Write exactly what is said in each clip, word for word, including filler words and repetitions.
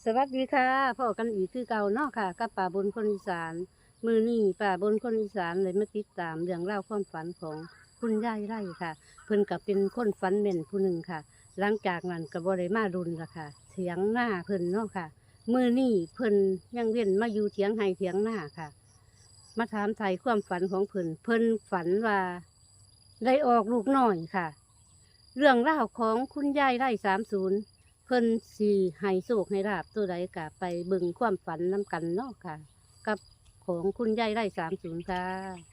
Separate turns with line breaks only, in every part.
สวัสดีค่ะพ่อกันอีกคือเก่าเนาะค่ะกับป่าบนคนอีสานมือนี่ป่าบนคนอีสานเลยมาติดตามเรื่องเล่าวความฝันของคุณยายไร่ค่ะ เพิ่นกับเป็นคนฝันเม่นผู้หนึ่งค่ะ หลังจากนั้นก็บ่ได้มารุนละค่ะเถียงหน้าเพิ่นเนาะค่ะมือนี่เพิ่นยังเว้นมาอยู่เถียงไห้เถียงหน้าค่ะ มาถามไทยความฝันของเพิ่นเพิ่นฝันว่าได้ออกลูกน้อยค่ะ เรื่องราวของคุณยายไร่สามศูนย์เพิ่นสีให้โศกให้ราบตัวใดกะไปเบิ่งความฝันน้ำกันเนาะค่ะ กับของคุณยายไร่สามศูนย์ค่ะ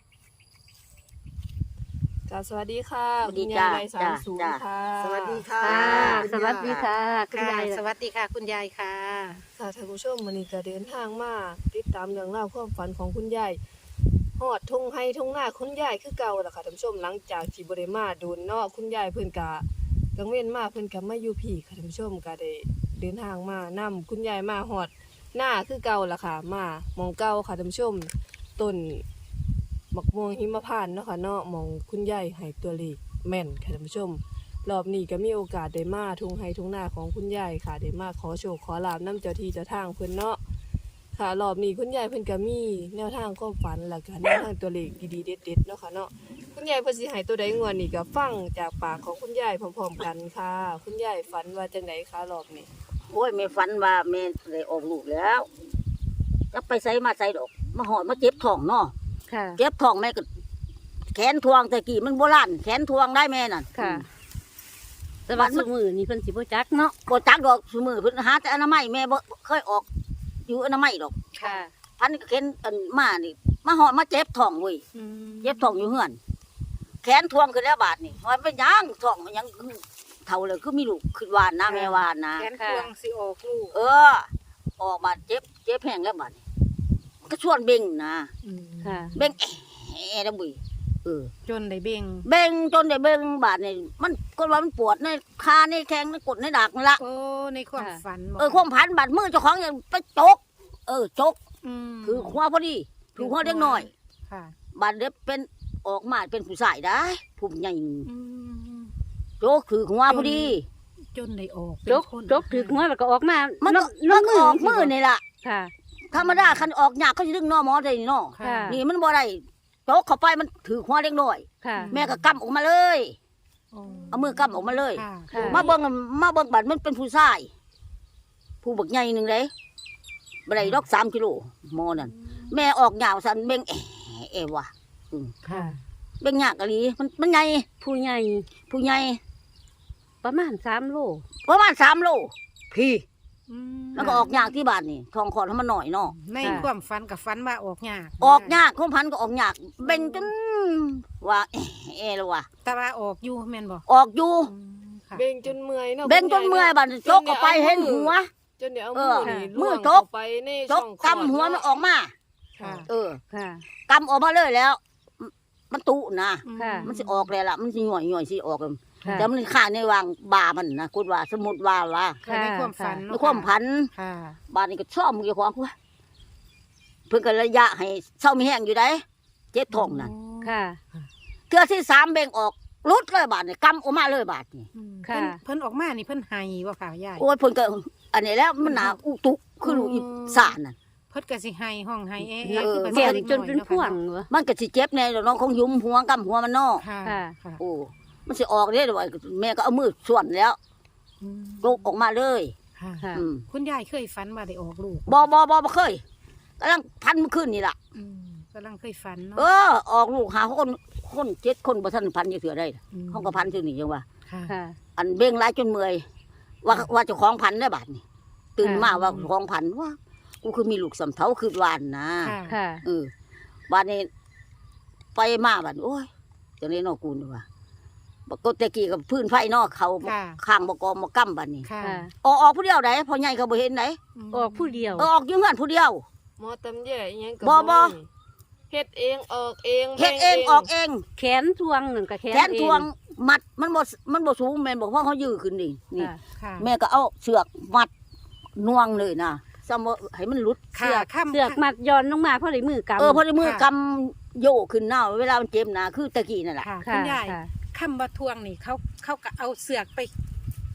ค่ะสวัสดีค่ะ
สวัสดี
คุณ
จ้าย
ายไร่สามศูน
จ้า
ย์ค่ะ
สวัสดีค่ะ
ค่ะ
คุณ
ส
ยาย
วัสดีค่ะคุณ
ค่ะ
ยาย
สวัสดีค่ะ คุณยายค่ะ
ค่ะท่านผู้ชมวันนี้ก็เดินทางมาติดตามเรื่องราวความฝันของคุณยายฮอดทงไห้ทงหน้าคุณยายคือเก่าล่ะค่ะท่านผู้ชมหลังจากที่บ่ได้มาโดนเนาะคุณยายเพิ่นก็กังเว้นมาเพิ่นก็มาอยู่พี่ค่ะท่านผู้ชมก็ได้เดินทางมานํคุณยายมาฮอดหน้าคือเก่าล่ะค่ะมาหมองเก่าค่ะท่านผู้ชมต้นมะม่วงหิมพานต์เนาะค่ะเนาะหมองคุณยายให้ตัวเลขแม่นค่ะท่านผู้ชม รอบนี้ก็มีโอกาสได้มาทุ่งไห้ทุ่งนาของคุณยายค่ะได้มาขอโชคขอลาบน้ำเจ้าที่เจ้าทางเพิ่นเนาะค่ะรอบนี้คุณยายเพิ่นก็มีแนวทางความฝันแล้วก็แนวทางตัวเลขดีๆเด็ดๆเนาะค่ะเนาะคุณยายเพิ่นสิให้ตัวใดงวดนี้ก็ฟังจากปากของคุณยายพร้อมๆกันค่ะ คุณยายฝันว่าจังไดคะรอบนี้
โอ้ยแม่ฝันว่าแม่ได้ออกลูกแล้วจะไปใส่มาใส่ดอกมาหอดมาเจ็บท้องเนาะ
ค่ะ
เจ็บท้องแม่ก็แขนทวงแต่กี้มันโบราณแขนทวงได้แม่นั่น
ค่ะแต่ว่าสมือนี่เพิ่นสิบ่จักเนาะ
บ่จักดอกสมือเพิ่นหาแต่อนามัยแม่บ่เคยออกอยู่อนามัยดอก
ค่ะ
พันก็เข็นอันมานี่มาหอดมาเจ็บท้องเว้ยเจ็บท้องอยู่เฮือนแขนทวงขึ้นแล้วบาดนี่ว่าเป็นหยังท้องมันยังเท่าเลยคือมีลูกขึ้นวานนะแม่วานนะ
แขนควงสิออกลูก
เออ ออกมาเจ็บเจ็บแห้งแล้วบาดนี้มันก็ชวนเบ่งนะ
ค่ะ
เบ่งแอะนะบุยเออ
จนได้เบ่ง
เบ่งจนได้เบ่งบาดนี่มันก็ว่ามันปวดในคาในแข้งในกดในดักนั่นละ
โอ้ในความฝันบก
เออความพันบาดมือเจ้าของยังไปจก เออจก
ม
ถือหัวพอดีถือหัวเล็กน้อย
ค่ะ
บาดเด็บเป็นออกมาเป็นผู้ชายได้ผู้ใหญ่
อืม
จกถือหัวพอดี
จนได้ออก
จกจกถึกหัวแล้วก็ออกมา
มันก็
น้
มันก็ออกมือนี่ล่ะ
ค่ะ
ธรรมดาคันออกยากเขาจะดึงนอหมอได้นี่เนาะ
ค่ะ
นี่มันบ่ได้จกเข้าไปมันถือหัวเล็กน้อย
ค่ะ
แม่ก็กำออกมาเลย
โอ้
เอามือกำออกมาเลย
ค่ะ
ค่ะ
มาเบิ่งมาเบิ่งบัดมันเป็นผู้ชาย ผู้บักใหญ่หนึ่งเลยบ่ได้ดอกสามกิโลหมอนั่นแม่ออกยาวสันเบ่งเอ๋เอ๋วะอืม
ค่ะ
เบ่งยากกะลีมันมันใหญ่
ผู้ใหญ่
ผู้ใหญ่
ประมาณสามโล
ประมาณสามโลพี่
อืม
แล้วก็ออกยากที่บ้านนี่ทองคอให้มันหน่อยเนาะ
ในความฝันกับฝันว่าออกยาก
ออกยากของพันก็ออกยากเบ่งจนว่าเอ๋เอ๋แล้วว่ะ
แต่ว่าออกอยู่แม่นบ่
ออกอยู่
อืมค่ะ
เบ่งจนเมื่อยเนาะ
เบ่งจนเมื่อยบัดจกเข้าไปเห็นหัว
จนเดี๋ยวเอา
เอ
มื
อ
อนี่
มื
ล่ว
อง จ
เข้าก ไปใน
จ
ช่อก งคลอด
กำหัวมันออกมา
ค่ะ
เออ
ค่ะ
กำออกมาเลยแล้ว มันตุนะ
ค่ะ
มันสิออกเลยล่ะมันสิหน่อยหน่อยสิออกเลย
ค่ะ
แต่มันข้างในวางบามันนะคุณว่าสมมุติว่าว่า
ค่ะในความฝัน
ใน
เนาะ
ความพัน
ค่ะ
บานนี้ก็ชอบมือของว่าเพิ่นก็ระยะให้เศร้ามีแห้งอยู่ได้เจ็บท้องนั่น
ค่ะ
เทื่อที่สามเบ่งออกรุดเลยบาดนี่กำออกมาเลยบาดนี่
อืม
ค่ะ
เพิ่นเพิ่นออกมานี่เพิ่นไห้บ่ค่ะยาย
โอ้ยเพิ่นก็อันนี้แล้วมันหนาอุตุคือลูกอีสานน่ะ
เพิ่นก็สิไห้ห้องไห้เอ๊ะ
เออ
คือ
เสียง
ด็ก
จนเป็นพ่วงเหรอ
มันก็สิเจ็บแน่เดี๋ยวน้องของยุมหัวกำหัวมันนอก
ค่ะ
ค่ะ
ค่ะ
โอ้มันสิออกเด้เดี๋ยวแม่ก็เอามือส่วนแล้ว
อืม
ลุกออกมาเลย
ค่ะ
ค่ะ
อืม
คุณยายเคยฝันว่าได้ออกลูก
บ่บ่บ่บ่เคยกำลังพันขึ้นนี่ล่ะ
อืมกำลังเคยฝันเนาะ
เออ ออกลูกหาคนคนเจ็ดคนบ่ทันพันจะเถื่อได้
ม
เขาก็พันซื่อนี่จังว่า
ค่ะ
ค่ะ
อันเบ่งหลายจนเมื่อยว่าว่าเจ้าของพันได้บาดนี่ตื่นมาว่าเจ้าของพันว่ากูคือมีลูกสำเทาคือวานนะ
ค่ะ
ค่ะ
เออบาดนี้ไปมาบาดนี้โอ้ยจังนี้นอกกูนี่ว่าบักกตะกี้กับพื้นไฟนอกเขา
ค่ะ
ข้างบกอมกั้มบาดนี้
ค่ะ
ค่ะ
ออกออกผู้เดียวไหนพอใหญ่ก็บ่เห็นไหน
ม
ออกผู้เดียว
เออออกอยืงเงินผู้เดียว
หมอตำแย่อิหยังก็
บ่บ่
มีเฮ็ดเองออกเอง
เฮ็ดเอง
แบ่
ออกเอง
แขนทวงหนึ่งกับแขน
แขนทวงมัดมันบ่มันบ่สูงแม่นบอกว่าเขายื้อขึ้นนี่
เอง
นี่
ค่ะ
ค่ะ
แม่ก็เอาเสือกมัดน่วงเลยนะซ้ำว่าให้มันหลุด
ค่ะ
เสือก
ข้าม
เสือกมัดย้อนลงมาเพราะได้มือกำ
เออพอได้มือกำโยกขึ้นหน้าเวลามันเจ็บนะคือตะกี้นั่นแหละ
ค่ะ
ค่ะ
คุณยาย
ค่ะ
คำว่าทวงนี่เขาเขาก็เอาเสือกไป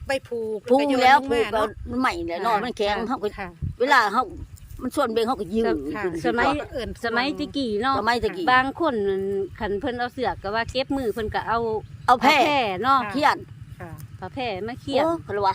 ไปผูก
พุง
ก็โยน
แล้ว
ง
ผูก
มา
แล้ว
เนาะ
มันใหม่แล้วเนอนมันแข็งเฮาก็
ค่ะ
เวลาเฮามันส่วนเบงเฮาก็ยืด
ค่ะ
ขึ้น
สมัย
เอิ้น
สมัยตะกี้เนาะ
สมัยตะกี้
บางคนคันเพิ่นเอาเสือกก็ว่าเก็บมือเพิ่นก็เอา
เอาแพร่
ผ้าเนาะ
เขียน
ค่ะ
ผ้าแพร่มาเขียน
โอ้เขาเลยว่า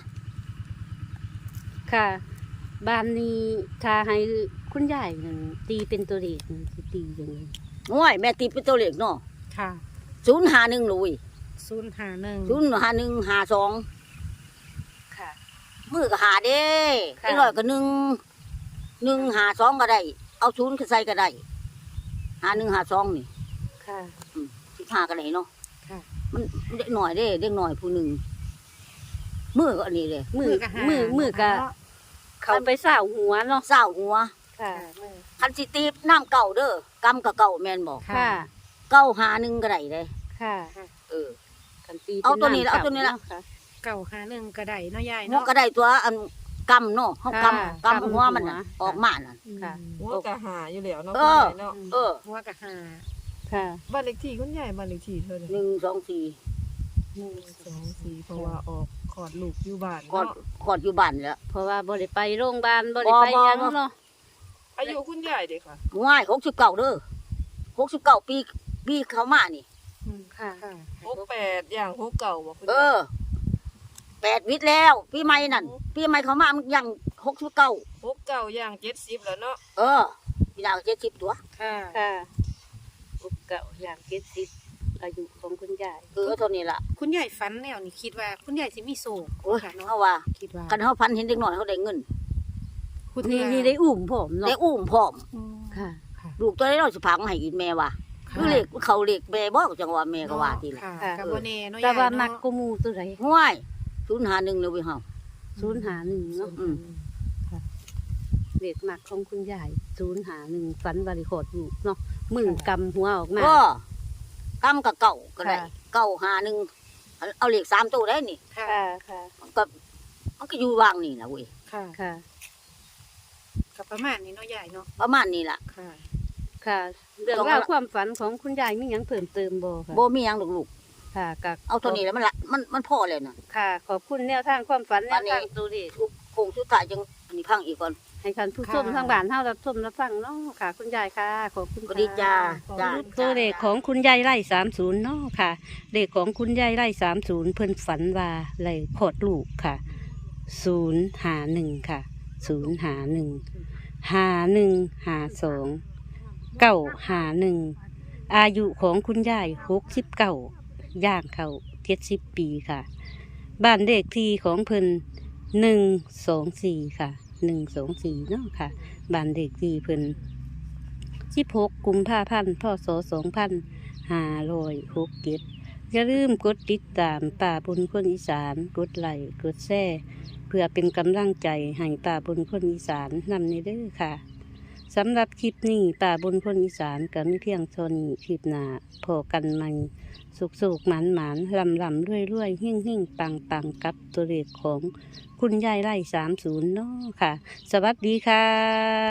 ค่ะบ้านนี้ถ้าให้คุณยายนั่นตีเป็นตัวเลขนั่นสิตีจังได๋
ง่วยแม่ตีเป็นตัวเลขเนาะ
ค่ะ
ศูนย์ห้าหนึ่งลุย
ศูนย์ห้าหนึ่ง
ศูนย์ห้าหนึ่งห้าสอง
ค่ะ
มือก็หาเด้
ค่ะ
ไอ้ร้อยก็หนึ่งหนึ่งหาสองก็ได้ เอาศูนย์ก็ใส่ก็ได้หาหนึ่งหาสองนี่
ค่ะ
สิบห้าก็ได้เนาะ
ค่ะ
มันเด็กหน่อยเด้เด็กหน่อยผู้หนึ่งมือก็อันนี้เลย
มือ
ก็หา
มือมือก็เขาไปสาวหัวเนาะ
เศร้าหัว
ค่ะ
คันสิตีบน้ำเก่าเด้อกำกับเก่าแม่นบอก
ค่ะ
เก้าหาหนึ่งก็ได้เลย
ค่ะ
เออ
กันตี
เอาตัวนี้
ป็
เอาตัวนี้ละ
ำค่ะ
เก่าห้าหนึ่งก็ได้เนาะยาย
หัว
เนาะ
ก็ได้ตัวอันกำเนาะเขาก
ค่ะ
ำกำหัวมันน่ะ
กำหัว
ออกมาน่ะ
ค่ะ
หัวกะหาอยู่แล้วเนาะ
เอ
คุณ
อ
ยายเนาะ
เออ
หัวกับห้า
ค่ะ
บ้านเลขที่คุณยายบ้านเลขที่เท่าไหร่
หนึ่งสองสี่
หนึ่งสองสี่เพราะว่าออกขอดลูกอยู่บ้าน
กอด
เนาะ
กอดอยู่บ้านแล้ว
เพราะว่าบ่ได้ไปโรงพยาบาลบ่ได้ไป
บ่บ่
หยัง
บ่
เนาะ
อายุคุณยายเด็กค่ะ
ง่ายหกสิบเก้าเด้อหกสิบเก้าปีปีเขามานี่
ค่ะ
ค่ะ
หกแปดอย่างหกเก่าบ่คุณ
เอย
าย
อแปดวิทย์แล้ว ปีใหม่นั่นปีใหม่เขามามันยังหกสิบเก้า
หกเก่าอย่างเจ็ดสิบแล้วเนาะ
เออปีหน้าก็เจ็ดสิบตัว
ค่ะ
ค่ะอุกเก่าอย่างเจ็ดสิบอายุของคุณยาย
เออเท่านี้ล่ะ
คุณยายฝันแนวนี่คิดว่าคุณยายสิมีโศก
โอ้ย
ค่ะเนาะ
เขาว่า
คิดว่า
กันเขาพันเห็นเด็กหน่อยเขาได้เงิน
คุณ
นี่
ยาย
นี่ได้อุ้มผมเนาะ
ได้อุ้มพร้อม
อืม
ค่ะ
ค่ะ
ลูกตัวได้เราสิพังให้กินแม่ว่ะคือเล็กเขาเล็กแม่บอกจังว่าแม่ก็ว่าทีละ
ค่ะ
ค่ะ
กับบ่แน่เนาะ
แต่ว่า
ยาย
มัก
เนาะ
กูมูตัวไหน
ง่ายศูนย์หาหนึ่งเลยเว้ยเฮา
ศูนย์หาหนึ่งเนาะ
อืม
เด็กมักของคุณยายศูนย์หาหนึ่งฝันบริโภคอยู่เนาะมือกำหัวออกมา
ก็กำกับเก่าก็ได้
ค่ะ
เก่าหาหนึ่งเอาเลขสามตัวได้นี่
ค่ะ
ค่ะค่ะ
มันก็มันก็อยู่วางนี่นะเว้ย
ค่ะ
ค่ะ
กับประมาณนี้เนาะยายเนาะ
ประมาณนี้ล่ะ
ค่ะ
ค่ะ เรื่อง
ต้อง
ราว
เอา
ความฝันของคุณยายมีหยังเพิ่มเติมบ่ค่ะ
โบมีหยังดอกลูก
ค่ะกับ
เอาเท่านี้แล้วมันละมันมันพอแล้วน่ะ
ค่ะ ขอบคุณแนวทางความฝันแน
วั
วน
นี้
ทางตัวเลข
ลูกคงสุดท้ายจังอันนี้พังอีกก่อน
ให้ท่านผู้ชมทางบ้านเฮารับชมรับฟังเนาะค่ะ คุณยายค่ะ ขอบคุณ
ก็
ค่ะ
ดีจ้าจ้า
ตัวเลขของคุณยายไร่สามศูนย์เนาะค่ะเลขของคุณยายไร่สามศูนย์เพิ่นฝันว่าไหลโคตรลูกค่ะศูนย์หาหนึ่งค่ะศูนย์หาหนึ่งหาหนึ่งหาสองเก้าหาหนึ่งอายุของคุณยายหกสิบเก้าย่างเข้าเจ็ดสิบปีค่ะ บ้านเลขที่ของเพิ่นหนึ่งสองสี่ค่ะหนึ่งสองสี่เนาะค่ะบ้านเลขที่เพิ่น สิบหกกุมภาพันธ์พศสองพันห้าร้อยหกเจ็ดอย่าลืมกดติดตามป่าบนคนอีสานกดไลค์กดแชร์เพื่อเป็นกำลังใจให้ป่าบนคนอีสานนำในเด้อค่ะสำหรับคลิปนี้ป่าบนคนอีสานก็มีเพียงเท่านี้คลิปหน้าพอกันใหม่สุกสุกหมานหมานลำลำด้วยด้วยหิ่งหิ่งปังปังกับตัวเลขของคุณยายไร่สามศูนย์เนาะค่ะ สวัสดีค่ะ